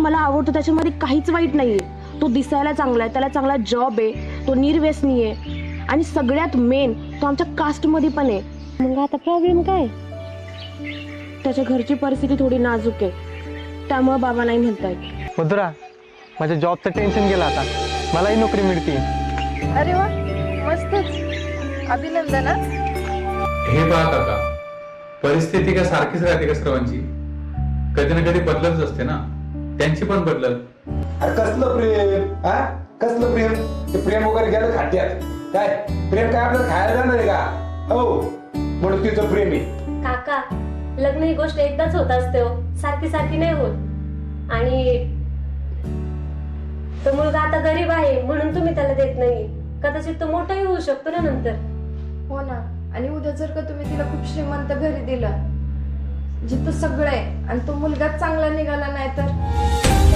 मला आवडतो त्याच्यामध्ये काहीच वाईट नाहीये। तो दिसायला चांगला आहे, त्याला चांगला जॉब आहे, तो निर्व्यसनी आहे आणि सगळ्यात मेन तो आमच्या कास्टमध्ये पण आहे। मग आता प्रॉब्लेम काय? त्याच्या घरची परिस्थिती थोडी नाजूक आहे, त्यामुळे बाबा नाही म्हणतायत। मधुरा, माझ्या जॉबचं टेन्शन गेलं आता, मलाही नोकरी मिळते। अरे वा, मस्तच, अभिनंदन हा। हे पहा काका, परिस्थिती का सारखीच राहते का सर्वांची? कधी ना कधी बदलतच असते ना, त्यांची पण बदलत। अरे कसलं प्रेम, हा कसलं प्रेम? ते प्रेम वगैरे गेलं खाट्यात। काय प्रेम काय आपल्याला खायला जाणार आहे का? हो, म्हणून तिचं प्रेम आहे। काका, लग्न ही गोष्ट एकदाच होत असते हो, सारखी सारखी नाही होत। आणि तो मुलगा आता गरीब आहे म्हणून तुम्ही त्याला देत नाही, कदाचित तो मोठाही होऊ शकतो ना नंतर। हो ना, आणि उद्या जर का तुम्ही तिला खूप श्रीमंत घरी दिलं जिथं सगळं आहे आणि तो मुलगाच चांगला निघाला नाही तर